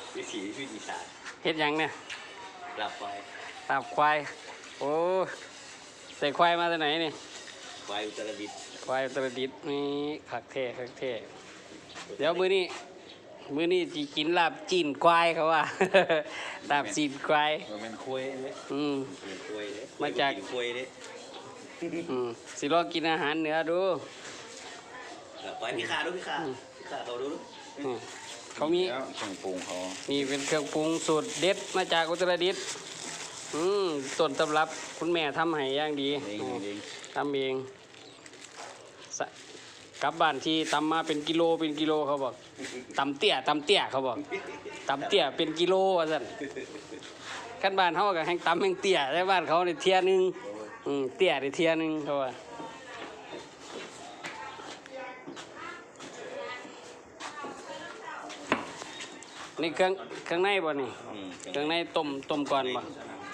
วิถีอีสานเฮ็ดหยังเนี่ยลาบควายลาบควายโอ้ใส่ควายมาจากไหนนี่ควายอุตรดิตถ์ควายอุตรดิตถ์นี่คักแท้เดี๋ยวมื้อนี้สิกินลาบจีนควายเขาว่า ลาบจีนควายมันคุยเลย มันคุยเลยมาจากคุยเลยสิลองกินอาหารเหนือดูลาบควายพี่ขาดูพี่ขาเขาดูเขามีเครื่องปรุงเขานี่เป็นเครื่องปรุงสูตรเด็ดมาจากอุตรดิตถ์ต้นตำรับคุณแม่ทำให้อย่างดีทำเองกลับบ้านที่ตำมาเป็นกิโลเขาบอกตำเตี้ยเขาบอกตำเตี้ยเป็นกิโลว่าสั่นขั้นบ้านเขากับแห้งตำแห้งเตี้ยแต่บ้านเขาในเทียนึงเตี้ยในเทียนึงเขาว่านี่เครื่องในบ่นี่เครื่องในต้มก่อนบ่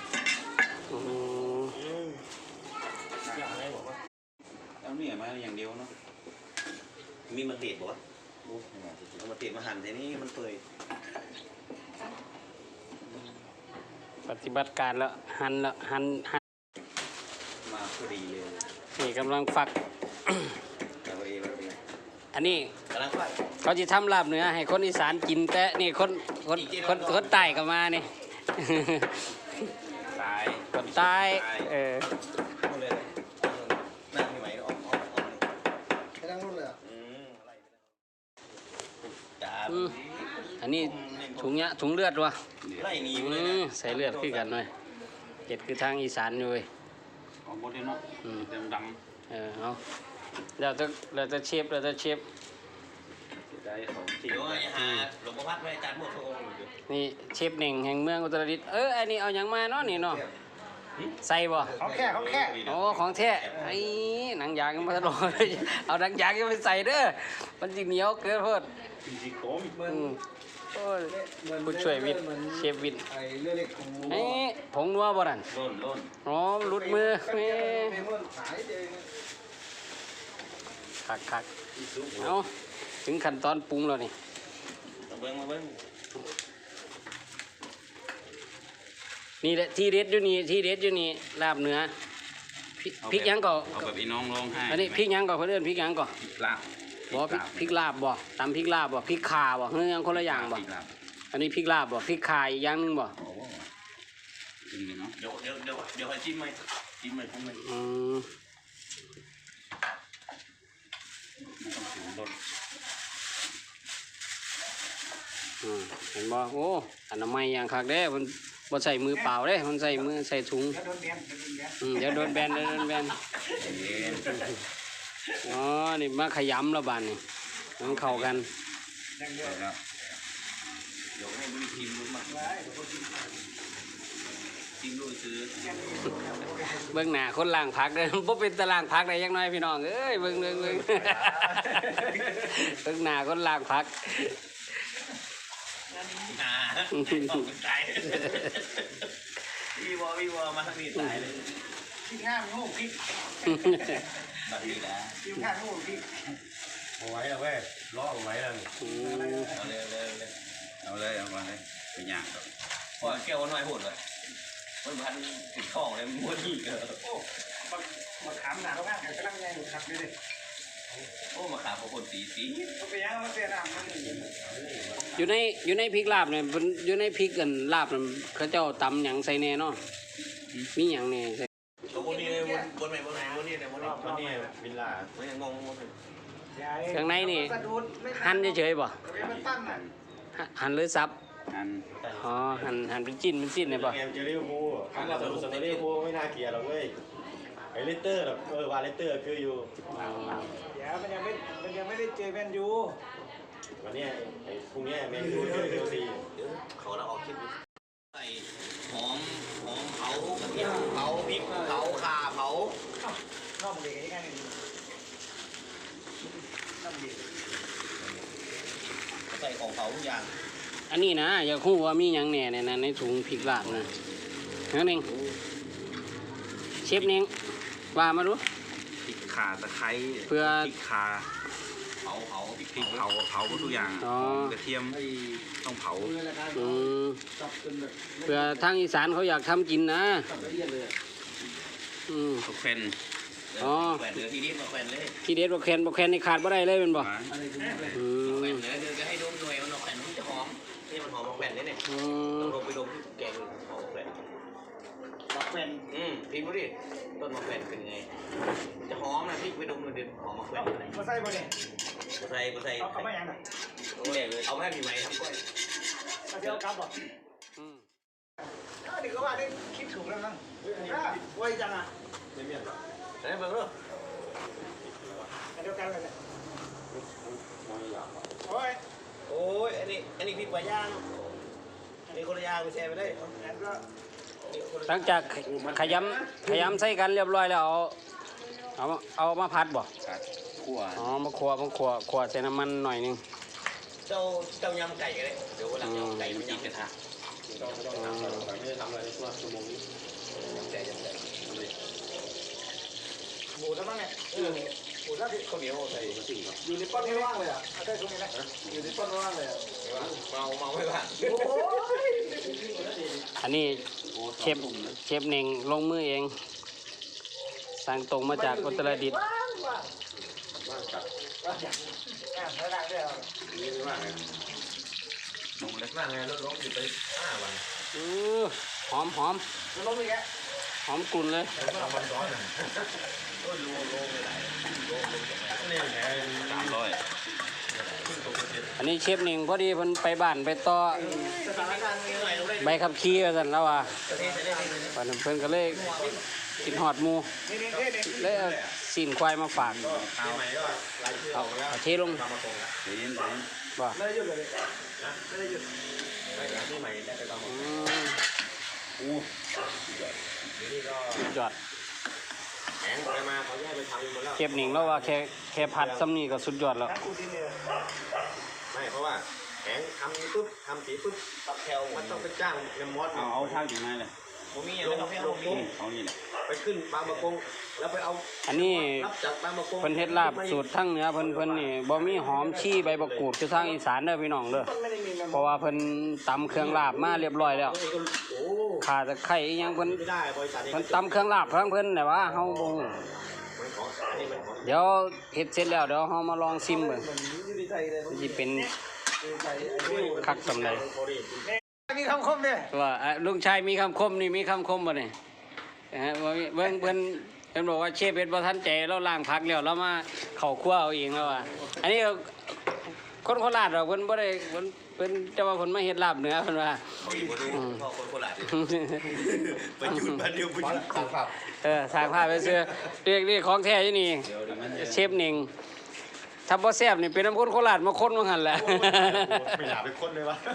แล้วนี่มาอย่างเดียวเนาะมีมะเขือบ่เอามะเขือมาหั่นทีนี้มันเปื่อยปฏิบัติการแล้วหั่นมาพอดีเลยนี่กำลังฝักอันนี้กำลังฟักเขาจะทำลาบเนื้อให้คนอีสานกินแต่นี่คนใต้ก็มานี่ตายคนใต้เลยนั่งที่ไหนออกไปนั่งนู่นเลยอันนี้ถุงเลือดวะไล่หนีเลยนะใส่เลือดขึ้นกันหน่อยเจ็ดคือทางอีสานอยู่เว้ยเอาหมดเลยเนาะดำเอาเราจะเชฟได้ของจริงด้วยหลวงพ่อพัดไว้อาจารย์หมดทุกองค์นี่เชฟเน่งแห่งเมืองอุตรดิตถ์อันนี้เอาอย่างมาเนาะนี่เนาะใส่บ่ของแค่โอ้ของแท้ไอ้หนังยางมาตลอดเอาหนังยางยังไปใส่เด้อมันจิเหนียวเกินเพิ่นผู้ช่วยวิทย์เชฟวิทย์ผงนัวบ่นั่นล้นอ๋อลุดมือคักเอาถึงขั้นตอนปรุงแล้วนี่มาเบิ้งนี่แหละที่เด็ดอยู่นี่ลาบเนื้อพริกยังก็เอาแบบอีน้องร้องไห้อันนี้พริกยังก็เพื่อนพริกยังก็ลาบบ่พริกลาบบ่ตำพริกลาบบ่พริกข่าบ่เฮ้ยยังคนละอย่างบ่อันนี้พริกลาบบ่พริกข่าอีกอย่างนึงบ่เดี๋ยวให้จิ้มไหมพุ่งไหมเห็นบ่โอ้อันน้ำไม้อย่างคักเด้มันบ่ใส่มือเปล่าเด้มันใส่มือใส่ถุงเดี๋ยวโดนแบนอ๋อนี่มาขยำแล้วบานนี่มันเข้ากันเดี๋ยวให้บริทีมรู้มาทีมรู้ซื้อเบื้องหน้าคนล่างพักเลยบ่เป็นตารางพักได้ยังน้อยพี่น้องเอ้ยเบื้องเบื้องหน้าคนล่างพักตายพี่วอมาทางนี้ตายเลยพี่ง่ามงูพี่แบบนี้นะพี่ง่ามงูพี่เอาไว้แล้วเว้ยล้อเอาไว้แล้วเอาเลยไปย่างก่อนพอแก้วน้อยโหดเลยมันพันติดข้องเลยม้วนอีกโอ้มาถามหนาแล้วนะกำลังไงขับไปดิโอ้มาขาพวกคนสีเขาไปย่างเขาเสียน้ำมันอยู่ในพริกลาบเนี่ยอยู่ในพริกกันลาบเขาเจ้าตำหยังใส่แน่เนาะมีหยังแน่ใส่บนนี้บนนี้วิลล่าไม่ยังงงข้างในนี่หั่นเฉยๆบ่หั่นหรือซับอ๋อหั่นเป็นจิ้นเนี่ยป่ะเจอรี่พูคำว่าสเตอรี่พูไม่น่าเกลียดหรอกเว้ยไอเลเตอร์แบบวาเลเตอร์คืออยู่เดี๋ยวมันยังไม่ได้เจอแมนยูวันนี้ไอพรุ่งนี้แมนยูเจอซีเขาเราออกคลิปใส่หอมเผากระเทียมเผาพริกเผาข่าเผาน้องเด็กยังไงน้องเด็กใส่ของเผาทุกอย่างอันนี้นะอยากรู้ว่ามีหยังแหน่ในถุงพริกลาบนะนั่นเองเชฟเน่งว่ามาดูพริกข่าตะไคร้เพื่อพริกข่าเผาพริกเผาทุกอย่างกระเทียมต้องเผาอืมเพื่อทางอีสานเขาอยากทำกินนะอืมตกแผ่นอ๋อแผ่นเหลือที่นี่มาแผ่นเลยที่เด็ดบ่แคนนี่ขาดบ่ได้เลยเป็นบ่อืมแผ่นเหลือจะให้ดมหน่วยมันออกแผ่นมันจะหอมนี่มันหอมออกแผ่นเนี่ยอืต้องมลงไปดมที่แกงหอมออกแผ่นบักแฟนพิมพ์ดูดิต้นมะแขวนเป็นไงจะหอมนะพี่ไปดมดูดิหอมมะแขวนอะไรมาใส่บ่เนี่ยใส่เอามาอย่างน่ะโอ้ยเลยเอาแค่มีไหมทำก้อยเอาเดี๋ยวกลับบ่อืมเดี๋ยวก็ว่าได้คิดถูกแล้วมั้งไว้จังอ่ะไม่เมียนหรอไหนเบิ่งดูเดียวกันเลยเนี่ยโอ้ยโอ้ยอันนี้พริกปลาย่างอันนี้คนละย่างไปแช่ไปเลยแล้วก็หลังจากขยำใส่กันเรียบร้อยแล้วเอามาผัดบ่คั่วอ๋อมาคั่วใส่น้ำมันหน่อยนึงเจ้ายำไก่กันเลยเดี๋ยววันหลังยำไก่มันยิงกระทะไม่ได้ทำอะไรในช่วงชั่วโมงนี้ยำไก่หมูแล้วมั้งเนี่ยหมูแล้วที่ข้าวเหนียวใส่สิ่งอยู่ในป้อนไม่ว่างเลยอ่ะเอาได้ตรงนี้นะอยู่ในป้อนไม่ว่างเลยอ่ะเมาไม่ว่าโอ้ยอันนี้เชฟเน่งลงมือเองสั่งตรงมาจากอุตรดิตถ์ว่างว่างจัดไม่ได้ด้วยนี่ว่างไงว่างไงรถล้มอยู่ไป5 วันหอมจะล้มอีกแล้วหอมกลุ่นเลยแล้วก็วันซ้อนอ่ะโอ้ยโลไม่ไหลนี่แผล 300 อันนี้เชฟเน่งพอดีเพิ่นไปบ้านไปต่อสถานการณ์มีหน่อยลงได้ใบขับขี่ว่าซั่นแล้วว่าประเทศจะได้วันนั้นเพิ่นก็เลยกินฮอดหมูนี่เลยเอาซีนควายมาฝากปีใหม่ก็รายชื่อเอาออกแล้วเอาเทลงตามมาตรงแล้วเย็นบ่ไม่ได้หยุดเลยไม่ได้หยุดไม่หลังปีใหม่ได้ไปตามมาอืมอู้เดี๋ยวนี้ก็สุดยอดแข็งไปมาเขาแยกไปทำหมดแล้วเชฟเน่งแล้วว่าแค่ผัดซ้ำนี่ก็สุดยอดแล้วนักกูดินเนี่ยไม่เพราะว่าแข็งทำปุ๊บทำสีปุ๊บตับแคลมันต้องไปจ้างเนมมอสเอาทางถึงไหนเลยผมมีอะไรก็ให้เอามีเอานี่แหละไปขึ้นบางประกงแล้วไปเอาอันนี้รับจากบางประกงเพิ่นเฮ็ดลาบสูตรทั้งเหนือเพิ่นนี่บ่มีหอมชี่ใบบักกูดคือทางอีสานเด้อพี่น้องเด้อมันไม่ได้มีมันเพราะว่าเพิ่นตำเครื่องลาบมาเรียบร้อยแล้วโอ้ข่าตะไคร้อีหยังเพิ่นไม่ได้บริษัทนี้เพิ่นตำเครื่องลาบทั้งเพิ่นแต่ว่าเฮาบ่ฮู้มันของอันนี้มันของเดี๋ยวเฮ็ดเสร็จแล้วเดี๋ยวเฮามาลองชิมเบิ่งเหมือนอยู่ในใจเลยสิเป็นอยู่ในใจไอ้นี่คักสำใดมีคำคมเนี่ยว่าลุงชายมีคำคมนี่มีคำคมบ่นี่ว่าเบิ่งเพิ่นบอกว่าเชฟเฮ็ดบ่ทันใจเราล้างผักแล้วเรามาเข้าครัวเอาเองแล้วว่าอันนี้คนโคราชดอกเพิ่นบ่ได้เพิ่นจะว่าเพิ่นมาเฮ็ดลาบเหนือเพิ่นว่าเขาอยู่บนนู้นพ่อคนโคราชไปจุดบ้านเดียวไปจุดสั่งขับสร้างภาพไปเสื้อเรียกของแท้อยู่นี่เดี๋ยวมันเชฟเน่งถ้าบ่แซ่บนี่เป็นน้ำคนโคราชมาคนว่าหั่นแหละไม่อยากไปค้นเลยวะ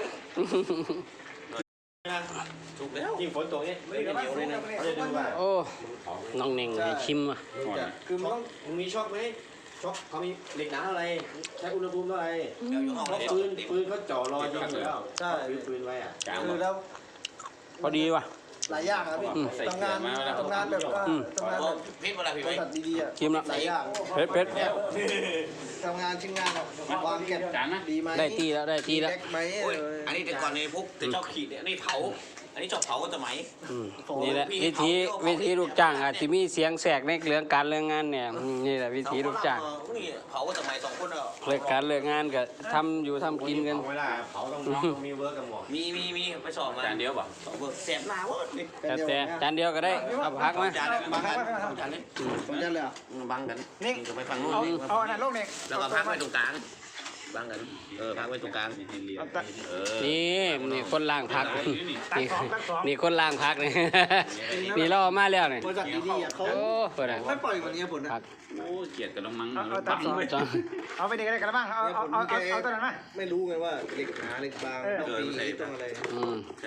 ถูกแล้วยิ่งฝนตกนี่ไม่เหนียวเลยนะเขาจะดูว่าโอ้น้องเน่งให้ชิมอ่ะคือมึงต้องมึงมีช็อคไหมช็อคเขามีเหล็กหนาอะไรใช้อุณหภูมิเท่าไหร่เดี๋ยวอยู่ห้องเพราะปืนเขาจ่อรอยิงอยู่แล้วใช่ปืนไว้อ่ะคือแล้วพอดีว่ะหลายอย่างครับพี่ทำงานแบบทำงานแบบพิษเวลาพี่บไหมริษัทดีๆอ่ะชิมละหลายอย่างเผ็ดทำงานชิ้นงานแบบวางเก็บดีไหมได้ทีแล้วได้ทีแล้วแบ็คไหมอันนี้แต่ก่อนในพวกแต่เจ้าขีดเนี่ยนี่เผา อันนี้จอบเผาก็จะไหมนี่แหละวิธีลูกจ้างอาจจะมีเสียงแสกในเรื่องการเรื่องงานเนี่ยนี่แหละวิธีลูกจ้างนี่เผาก็จะไหม2 คนอ่ะเลิกการเลิกงานก็ทำอยู่ทำกินกันเวลาเผาต้องมีเวิร์กกับหมอมีไปสอบมาจานเดียวป่ะสอบเบิกแสบหน้าเว้ยแต่จานเดียวก็ได้เอาพักมาจานบางกันจานนี้ผมจะเลยอ่ะบังกันนี่จะไปฟังนู้นเอาอันนั้นลูกเนี่ยแล้วก็พักไว้ตรงกลางบังกันพักไว้ตรงกลางนี่คนล่างพักนี่คนล่างพักนี่ นี่เราเอามาแล้วนี่บริษัทดีๆอ่ะเขาโอ้เปิดอ่ะไม่ปล่อยวันนี้ผลนะพักโอ้เกลียดกันแล้วมั้งตัดสองจ้ะเอาไปดีกันเลยกันบ้างเอาตัวนั้นมาไม่รู้ไงว่าเหล็กหนาเหล็กบางต้องปีต้องอะไรใช่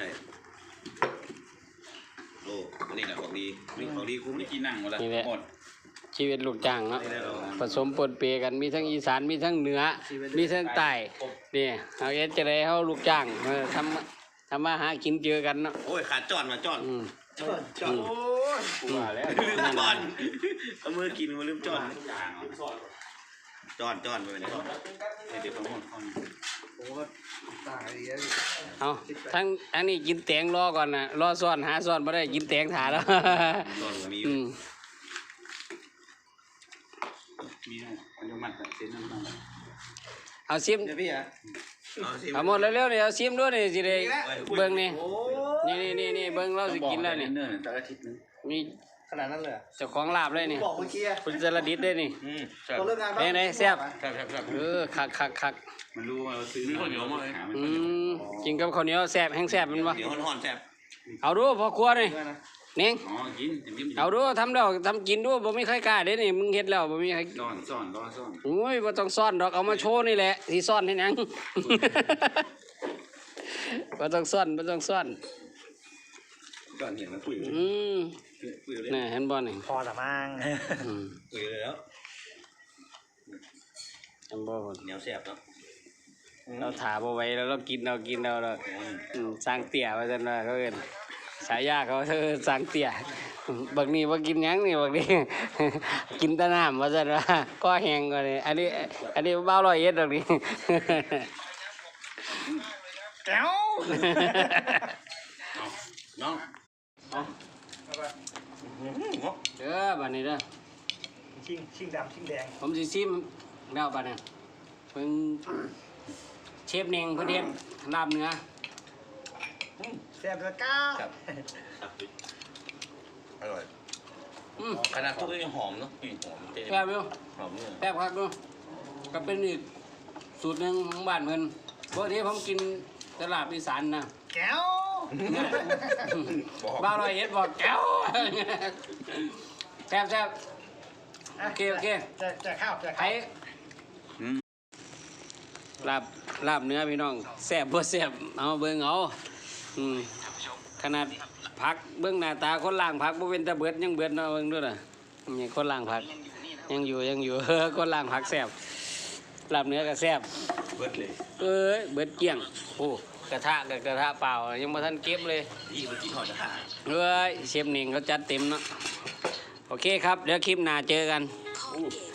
โอ้อันนี้แหละของดีของดีคุ้มไม่กินนั่งหมดละหมดชีวิตลูกจ้างเนาะผสมปนเปกันมีทั้งอีสานมีทั้งเหนือมีทั้งใต้นี่เอาเอ็ดจะได้เฮาลูกจ้างทำมาหากินเจอกันเนาะโอ้ยขาดจอดมาจอดจอดโอ้ยว่าแล้วลืมจอดเอามือกินมาลืมจอดจอนไปเลยเดี๋ยวผมก็ตายดีแล้วเอาทั้งอันนี้กินแตงรอก่อนนะรอซ่อนหาซ่อนไม่ได้กินแตงถ่าแล้วจอนมีอืมมีอันนี้มันเส้นน้ำมันเอาซิมเดี๋ยวพี่อ่ะเอาหมดเร็วๆนี่เอาซิมด้วยนี่สิได้เบิ่งนี่โอ้นี่เบิ่งเราสิกินแล้วนี่เนิ่นแต่อาทิตย์นึงมีขนาดนั้นเลยเจ้าของลาบเลยนี่บอกเมื่อกี้คุณจรดิษได้นี่ตอนเลิกงานไหนแซ่บครับคักมันรู้ว่าซื้อมีคนเดียวมาหามันกินกับข้าวเหนียวแซ่บแห้งแซ่บมันบ่เดี๋ยวห่อนแซ่บเอาดูพอครัวนี่นิ่งอ๋อกินจิ้มเอาดูทำแล้วทำกินดูบ่มีใครกล้าเด้นี่มึงเฮ็ดแล้วบ่มีใครซ่อนโอ้ยบ่ต้องซ่อนดอกเอามาโชว์นี่แหละสิซ่อนเฮ็ดหยัง บ่ต้องซ่อนก่อนเห็นมันคุยคุยเลยนี่เห็นบ่นี่พอละมั้งคุยเลยแล้วเห็นบ่พุ่นเหนียวแซ่บเนาะเราถาบ่ไหว้แล้วเรากินเราสร้างเตี่ยว่าซั่นว่าเขาเอิ้นฉายาเขาสร้างเตี่ยบักนี้บ่กินหยังนี่บักนี้ กินแต่น้ำว่าซั่นว่าก็แห้งกว่านี่อันนี้บ่าวร้อยเอ็ดดอกนี่แก้วน้องเด้อบัดนี้เด้อชิงดำชิงแดงผมสิซิมแล้วบัดนี้เพิ่นเชฟเน่งเพิ่นเฮ็ดลาบเนื้อแซ่บแล้วก้าอร่อยขนาดทุกอย่างหอมเนาะกลิ่นหอมเต็มแซ่บอยู่หอมเนี่ยแซ่บครับอยู่ก็เป็นอีกสูตรหนึ่งของบ้านเพิ่นปกติผมกินตลาดอีสานนะแก้วบ้าวร้อยเอ็ดบอกแก้ว แซ่บโอเคแจกข้าวแจกไอ้ลาบเนื้อพี่น้องแซ่บบ่แซ่บเอาเบิ่งเอาขนาดผักเบิ่งหน้าตาคนล่างผักบ่เป็นตาเบิดยังเบิดเนาะเบิ่งดูน่ะนี่คนล่างผักยังอยู่ คนล่างผักแซ่บลาบเนื้อก็แซ่บเบิดเลยเอ้ยเบิดเกลี้ยงโอ้กระทะกับกระทะเปล่ายังบ่ทันเก็บเลยยี่มันกินหอมจะหาเอ้ยเชฟหนิงเขาจัดเต็มเนาะโอเคครับเดี๋ยวคลิปหน้าเจอกันอู้